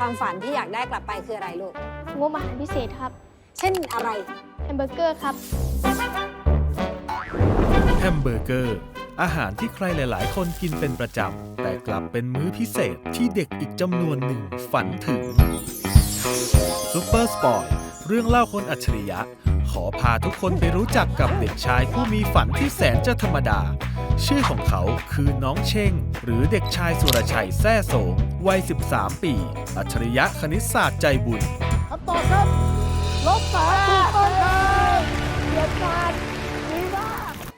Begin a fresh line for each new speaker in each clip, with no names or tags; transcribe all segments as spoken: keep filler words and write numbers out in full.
ความฝันที่อยากได้กลับไปคืออะไรลูก
งบอาหารพิเศษครับ
เช่นอะไร
แฮมเบอร์เกอร์ครับ
แฮมเบอร์เกอร์อาหารที่ใครหลายๆ คนกินเป็นประจำแต่กลับเป็นมื้อพิเศษที่เด็กอีกจำนวนหนึ่งฝันถึงซุปเปอร์สปอยเรื่องเล่าคนอัจฉริยะขอพาทุกคนไปรู้จักกับเด็กชายผู้มีฝันที่แสนจะธรรมดาชื่อของเขาคือน้องเช่งหรือเด็กชายสุรชัยแซ่โสงวัยสิบสามปีอัจฉริยะคณิตศาสตร์ใจบุญ
คำตอบครับลบสามถูกต้องครับเกียรติการดีมาก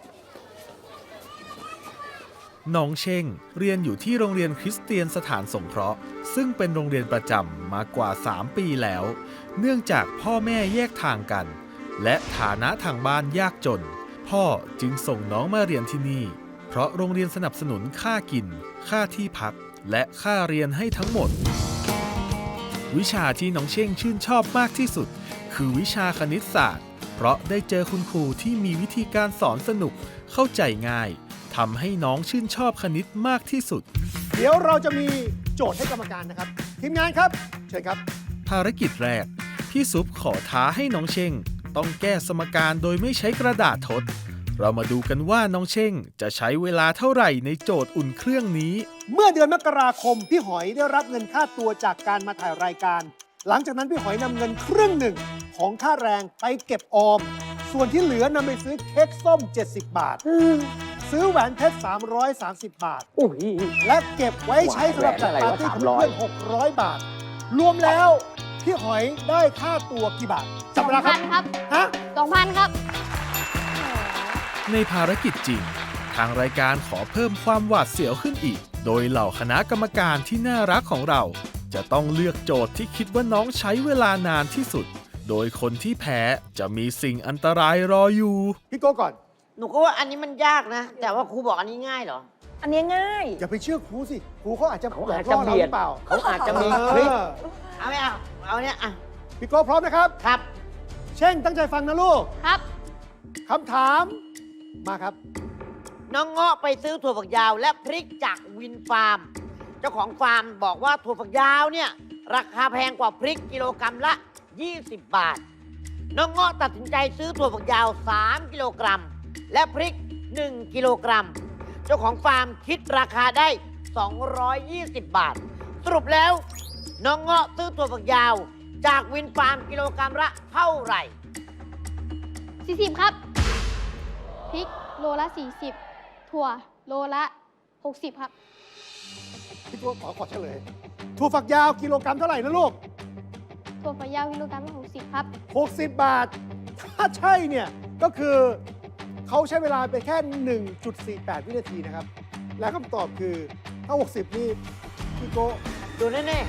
น้องเช่งเรียนอยู่ที่โรงเรียนคริสเตียนสถานสงเคราะห์ซึ่งเป็นโรงเรียนประจำมากว่าสามปีแล้วเนื่องจากพ่อแม่แยกทางกันและฐานะทางบ้านยากจนพ่อจึงส่งน้องมาเรียนที่นี่เพราะโรงเรียนสนับสนุนค่ากินค่าที่พักและค่าเรียนให้ทั้งหมดวิชาที่น้องเช่งชื่นชอบมากที่สุดคือวิชาคณิตศาสตร์เพราะได้เจอคุณครูที่มีวิธีการสอนสนุกเข้าใจง่ายทำให้น้องชื่นชอบคณิตมากที่สุด
เดี๋ยวเราจะมีโจทย์ให้กรรมการนะครับทีมงานครับเชิญครับ
ภารกิจแรกพี่ซุปขอท้าให้น้องเช่งต้องแก้สมการโดยไม่ใช้กระดาษทดเรามาดูกันว่าน้องเช่งจะใช้เวลาเท่าไหร่ในโจทย์อุ่นเครื่องนี้
เมื่อเดือนมกราคมพี่หอยได้รับเงินค่าตัวจากการมาถ่ายรายการหลังจากนั้นพี่หอยนำเงินครึ่งหนึ่งของค่าแรงไปเก็บออมส่วนที่เหลือนำไปซื้อเค้กส้มเจ็ดสิบบาทซื้อแหวนเพชรสามร้อยสามสิบบาทและเก็บไว้ใช้สำหรับจัดปาร์ตี้กับเพื่อนหกร้อยบาทรวมแล้วพี่หอยได้ค่าตัวกี่บาท
จับเวลาครับ
ฮะ
สองพันครับ
ในภารกิจจริงทางรายการขอเพิ่มความหวาดเสียวขึ้นอีกโดยเหล่าคณะกรรมการที่น่ารักของเราจะต้องเลือกโจทย์ที่คิดว่าน้องใช้เวลานานที่สุดโดยคนที่แพ้จะมีสิ่งอันตรายรออยู่
พี่โก้ก่อน
หนูก็ว่าอันนี้มันยากนะแต่ว่าครูบอกอันนี้ง่ายเหรอ
อันนี้ง่าย
อย่าไปเชื่อครูสิครูเขาอาจจะ
เขาอาจจะเบียดเปล่าเขาอาจจะมีคลิปเอาไม่เอาเอาเนี้ยอ่ะ
พี่โก้พร้อมนะครับ
ครับ
เช่งตั้งใจฟังนะลูก
ครับ
คำถามมาครับ
น้องเงาะไปซื้อถั่วฝักยาวและพริกจากวินฟาร์มเจ้าของฟาร์มบอกว่าถั่วฝักยาวเนี่ยราคาแพงกว่าพริกกิโลกรัมละยี่สิบบาทน้องเงาะตัดสินใจซื้อถั่วฝักยาวสามกิโลกรัมและพริกหนึ่งกิโลกรัมเจ้าของฟาร์มคิดราคาได้สองร้อยยี่สิบบาทสรุปแล้วน้องเงาะซื้อถั่วฝักยาวจากวินฟาร์มกิโลกรัมละเท่าไหร่
สี่สิบครับพริกโลละสี่สิบถั่วโลละหกสิบครับ
พี่ตัวขอขอเฉลยถั่วฝักยาวกิโลกรัมเท่าไหร่นะลูก
ถั่วฝักยาวกิโลกรัมละหกสิบครับ
หกสิบบาทถ้าใช่เนี่ยก็คือเขาใช้เวลาไปแค่ หนึ่งจุดสี่แปด วินาทีนะครับและคำตอบคือถ้าหกสิบนี่พี่โก้
ดูแน่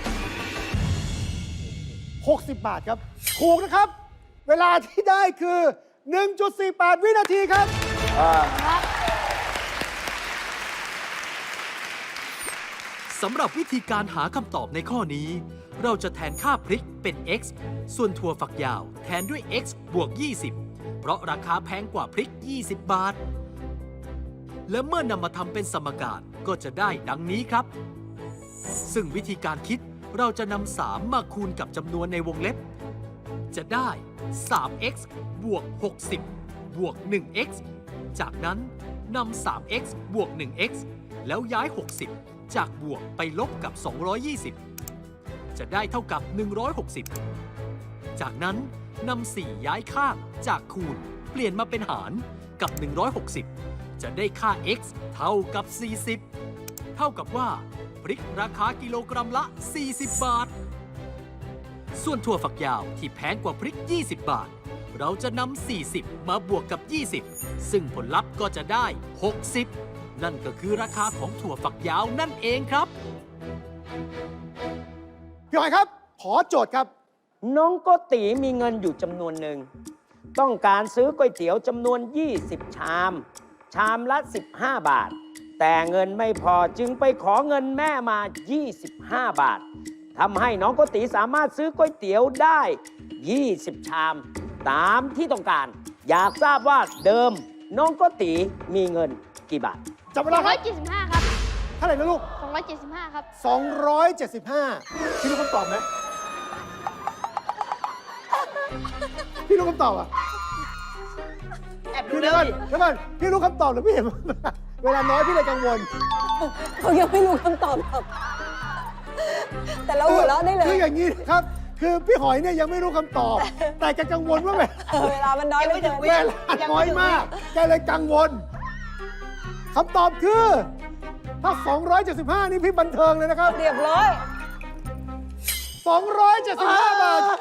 ๆหกสิบบาทครับถูกนะครับเวลาที่ได้คือ หนึ่งจุดสี่แปด วินาทีครับ
สำหรับวิธีการหาคำตอบในข้อนี้เราจะแทนค่าพริกเป็น x ส่วนถั่วฝักยาวแทนด้วย x บวกยี่สิบเพราะราคาแพงกว่าพริกยี่สิบบาทและเมื่อนำมาทำเป็นสมการก็จะได้ดังนี้ครับซึ่งวิธีการคิดเราจะนำสามมาคูณกับจำนวนในวงเล็บจะได้ สาม x บวก หกสิบ บวก หนึ่ง x จากนั้นนำ สาม x บวก หนึ่ง x แล้วย้าย หกสิบ จากบวกไปลบกับ สองร้อยยี่สิบ จะได้เท่ากับ หนึ่งร้อยหกสิบ จากนั้นนำ สี่ ย้ายข้างจากคูณเปลี่ยนมาเป็นหารกับ หนึ่งร้อยหกสิบ จะได้ค่า x เท่ากับ สี่สิบ เท่ากับว่าพริกราคากิโลกรัมละ สี่สิบบาทส่วนถั่วฝักยาวที่แพงกว่าพริกยี่สิบบาทเราจะนำสี่สิบมาบวกกับยี่สิบซึ่งผลลัพธ์ก็จะได้หกสิบนั่นก็คือราคาของถั่วฝักยาวนั่นเองครับ
พี่หอยครับขอโจทย์ครับ
น้องโกติมีเงินอยู่จำนวนหนึ่งต้องการซื้อก๋วยเตี๋ยวจำนวนยี่สิบชามชามละสิบห้าบาทแต่เงินไม่พอจึงไปขอเงินแม่มายี่สิบห้าบาททำให้น้องโกติสามารถซื้อก๋วยเตี๋ยวได้ยี่สิบชามตามที่ต้องการอยากทราบว่าเดิมน้องโกติมีเงินกี่บาท
จับเวลาครับ
สองร้อยยี่สิบห้าครับ
เท่าไหร่นะลูก
สององร้อยเจ็ดสิบห้าครับ
สองร้อยเจ็ดสิบห้า พี่รู้คำตอบไหมพี่รู้คำตอบอ่ะ
แอบดู
พี่
เล
เดี๋ยวก่อน
ย
เดี๋ยวก่อนพี่รู้คำตอบหรือพี่เห็น เวลาน้อยพี่เลยกังวล
เขายังไม่รู้คำตอบหรอกแต่เราหัวเราะได้เลย
คืออย่างนี้นะครับ คือพี่หอยเนี่ยยังไม่รู้คำตอบ แต่แกกังวลว่าแบบ
เออเวลามันน้อย
ยังไม่ถึง
เห
วิ
ลือ
เวลาน้อยมาก แกเลยกังวลคำตอบคือ ถ้า สองร้อยเจ็ดสิบห้า นี่พี่บันเทิงเลยนะครับ
เรียบร้อย
สองร้อยเจ็ดสิบห้า บาท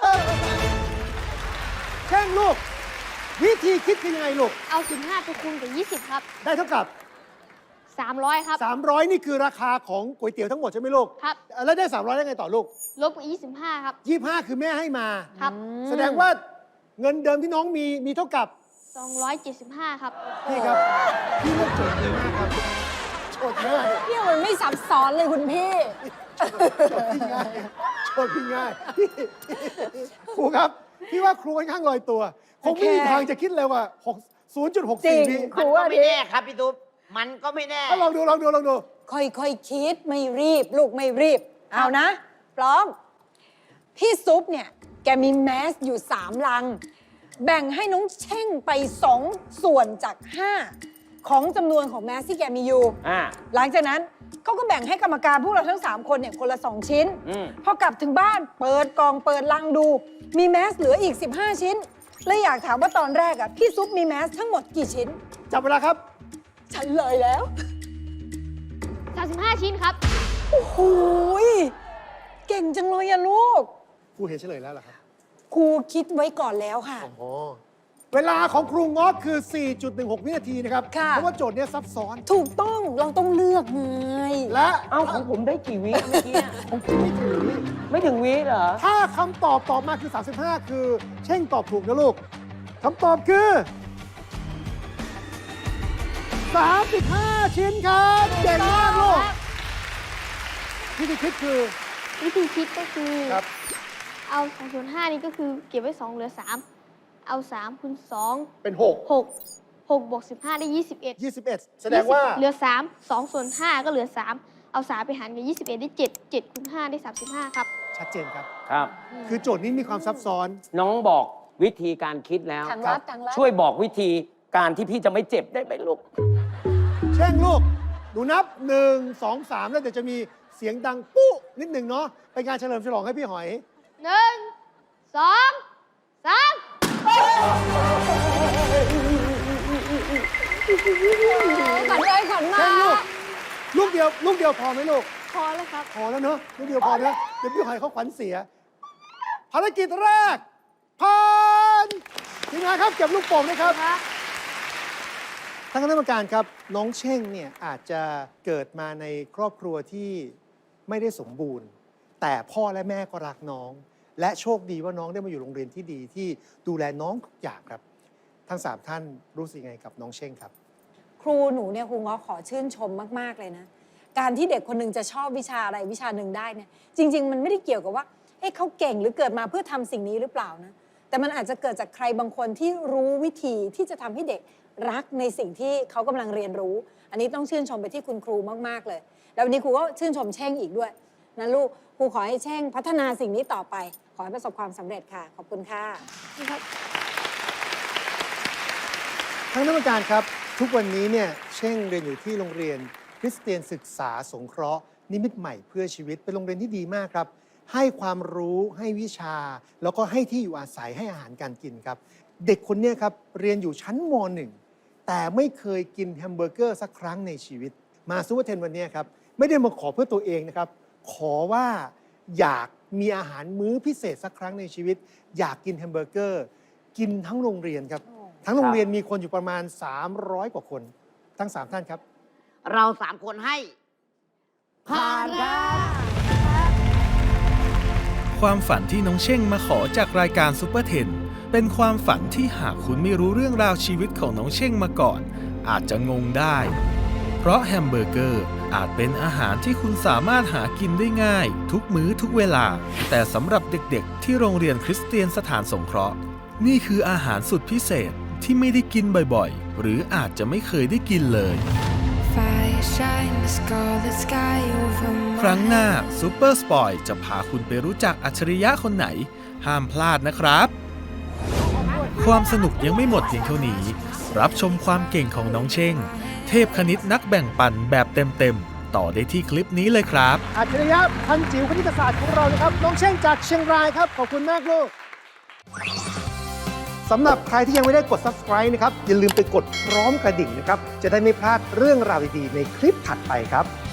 แช่งลูก วิธีคิดคือยังไงลูก
เอาสิบห้าไปคูณกับยี่สิบครับ
ได้เท่ากับ
สามร้อยครับ
สามร้อย นี่คือราคาของก๋วยเตี๋ยวทั้งหมดใช่ไหมลูก
ครับ
แล้วได้ สามร้อย ได้ไงต่อลูก
ลบกับยี่สิบห้าครับ
ยี่สิบห้า คือแม่ให้มา
ครับ
แสดงว่าเงินเดิมที่น้องมีมีเท่ากับ
สองร้อยเจ็ดสิบห้าครับ
นี่ครับ พี่เลือกโจทย์ดีมากครับโจทย์ง่าย
เนี่ยมันไม่ซับซ้อนเลยคุณพี่
โจทย์พี่ง่ายโจทย์พี่ง่ายพี่ครูครับ พี่ว่าครูค่อนข้างลอยตัว คงไม่มีทางจะคิดเลยว่าศูนย์จุดหกสี่
จริ
วิ
ง
มันก็ไม่แน่ครับพี่ตุ๊บมันก็ไม่แน่
ลองดูลองดูลองดู
ค่อยๆคคิดไม่รีบ ลูกไม่รีบ เอานะ พร้อม พี่ซุปเนี่ย แกมีแมสอยู่สามลัง แบ่งให้น้องเช่งไปสองส่วนจากห้าของจำนวนของแมสที่แกมีอยู่
อ่า
หลังจากนั้นเขาก็แบ่งให้กรรมการพวกเราทั้ง 3 คนเนี่ยคนละ 2 ชิ้น
อืม
พอกลับถึงบ้านเปิดกล่องเปิดลังดู มีแมสเหลืออีก สิบห้า ชิ้นเลยอยากถามว่าตอนแรกอ่ะพี่ซุปมีแมสทั้งหมดกี่ชิ้น
จับเวลาครับ
ฉันเลยแล้ว
สามสิบห้าชิ้นครับ
โอ้โหยเก่งจังเลยอะลูก
ครูเห็นเฉลยแล้วเหรอครับ
ครูคิดไว้ก่อนแล้วค่ะ
อ๋อเวลาของครูง้อคือ สี่จุดหนึ่งหก วินาทีนะครับ
ค่ะ
เพราะว่าโจทย์เนี้ยซับซ้อน
ถูกต้องเราต้องเลือกไง
และ
เอ้าของผมได้กี่วิเมื่อกี้
ของคุณไม่ถึง
ไม่ถึงวิเหรอ
ถ้าคำตอบตอบมาคือ สามสิบห้า คือเช่งตอบถูกนะลูกคำตอบคือ สามสิบห้า ชิ้นครับเก่งมากลูกวิธีคิดคือ
วิธีคิดก็คือ
ครับ
เอาสองส่วนห้านี่ก็คือเก็บไว้สองเหลือสามเอาสามคูณสอง
เป็น
หกหกบวกสิบห้าได้ยี่สิบเอ็ด
6 ยี่สิบเอ็ด แสดงว่า
เหลือสามสองส่วนห้าก็เหลือสามเอาสามไปหารกับยี่สิบเอ็ดได้เจ็ดเจ็ดคูณห้าได้สามสิบห้าครับ
ชัดเจนครับ
ครับ
คือโจทย์นี้มีความซับซ้อน
น้องบอกวิธีการคิดแล้ว
ทางลัดทางลัด
ช่วยบอกวิธีการที่พี่จะไม่เจ็บได้ไหมลูก
เช่งลูก ดูนับ หนึ่ง สอง สาม แล้วเดี๋ยวจะมีเสียงดังปุ๊นิดหนึ่งเนาะเป็นการเฉลิมฉลองให้พี่หอย
หนึ่งสองสาม
ขันเลยขันมา
เช่งลูก ลูกเดียว ลูกเดียวพอไหมลูก
พอแล้วครับ
พอแล้วเนอะลูกเดียวพอนะเดี๋ยวพี่หอยเขาขวัญเสีย ภารกิจแรกผ่านทีมงานครับเก็บลูกโป่งนะครับท่านคณะกรรมการครับ น้องเช่งเนี่ยอาจจะเกิดมาในครอบครัวที่ไม่ได้สมบูรณ์ แต่พ่อและแม่ก็รักน้อง และโชคดีว่าน้องได้มาอยู่โรงเรียนที่ดีที่ดูแลน้องทุกอย่างครับ ทั้งสามท่านรู้สึกยังไงกับน้องเช่งครับ
ครูหนูเนี่ยครูง้อขอชื่นชมมาก ๆ เลยนะ การที่เด็กคนหนึ่งจะชอบวิชาอะไรวิชาหนึ่งได้เนี่ย จริง ๆ มันไม่ได้เกี่ยวกับว่าเอ๊ะเขาเก่งหรือเกิดมาเพื่อทำสิ่งนี้หรือเปล่านะ แต่มันอาจจะเกิดจากใครบางคนที่รู้วิธีที่จะทำให้เด็กรักในสิ่งที่เขากำลังเรียนรู้ อันนี้ต้องชื่นชมไปที่คุณครูมาก ๆ เลย แล้ววันนี้ครูก็ชื่นชมเช่งอีกด้วยนะลูก ครูขอให้เช่งพัฒนาสิ่งนี้ต่อไป ขอให้ประสบความสำเร็จค่ะ ขอบคุณค่ะ
ทั้งนักการครับ ทุกวันนี้เนี่ยเช่งเรียนอยู่ที่โรงเรียนคริสเตียนศึกษาสงเคราะห์นิมิตใหม่เพื่อชีวิตเป็นโรงเรียนที่ดีมากครับ ให้ความรู้ให้วิชา แล้วก็ให้ที่อยู่อาศัยให้อาหารการกินครับ เด็กคนเนี้ครับเรียนอยู่ชั้นม หนึ่ง แต่ไม่เคยกินแฮมเบอร์เกอร์สักครั้งในชีวิต มาซูเปอร์เทนวันนี้ครับไม่ได้มาขอเพื่อตัวเองนะครับ ขอว่าอยากมีอาหารมื้อพิเศษสักครั้งในชีวิต อยากกินแฮมเบอร์เกอร์กินทั้งโรงเรียนครับ ทั้งโรงเรียนมีคนอยู่ประมาณ สามร้อย กว่าคน ทั้ง สาม ท่านครับ
เราสามคนให้ผ่านครับ
ความฝันที่น้องเช่งมาขอจากรายการซุปเปอร์เทนเป็นความฝันที่หากคุณไม่รู้เรื่องราวชีวิตของน้องเช่งมาก่อน อาจจะงงได้ เพราะแฮมเบอร์เกอร์อาจเป็นอาหารที่คุณสามารถหากินได้ง่าย ทุกมื้อทุกเวลา แต่สำหรับเด็กๆ ที่โรงเรียนคริสเตียนสถานสงเคราะห์นี่คืออาหารสุดพิเศษที่ไม่ได้กินบ่อยๆ หรืออาจจะไม่เคยได้กินเลย
Fire shine the scarlet sky over my
ครั้งหน้าซูเปอร์สปอยจะพาคุณไปรู้จักอัจฉริยะคนไหน ห้ามพลาดนะครับ ความสนุกยังไม่หมดเพียงเท่านี้ รับชมความเก่งของน้องเช่ง เทพคณิตนักแบ่งปันแบบเต็มๆ ต่อได้ที่คลิปนี้เลยครับ
อัจฉริยะพันจิ๋วคณิตศาสตร์ของเรานะครับ น้องเช่งจากเชียงรายครับ ขอบคุณมากลูกสำหรับใครที่ยังไม่ได้กด Subscribe นะครับ อย่าลืมไปกดพร้อมกระดิ่งนะครับ จะได้ไม่พลาดเรื่องราวดีๆในคลิปถัดไปครับ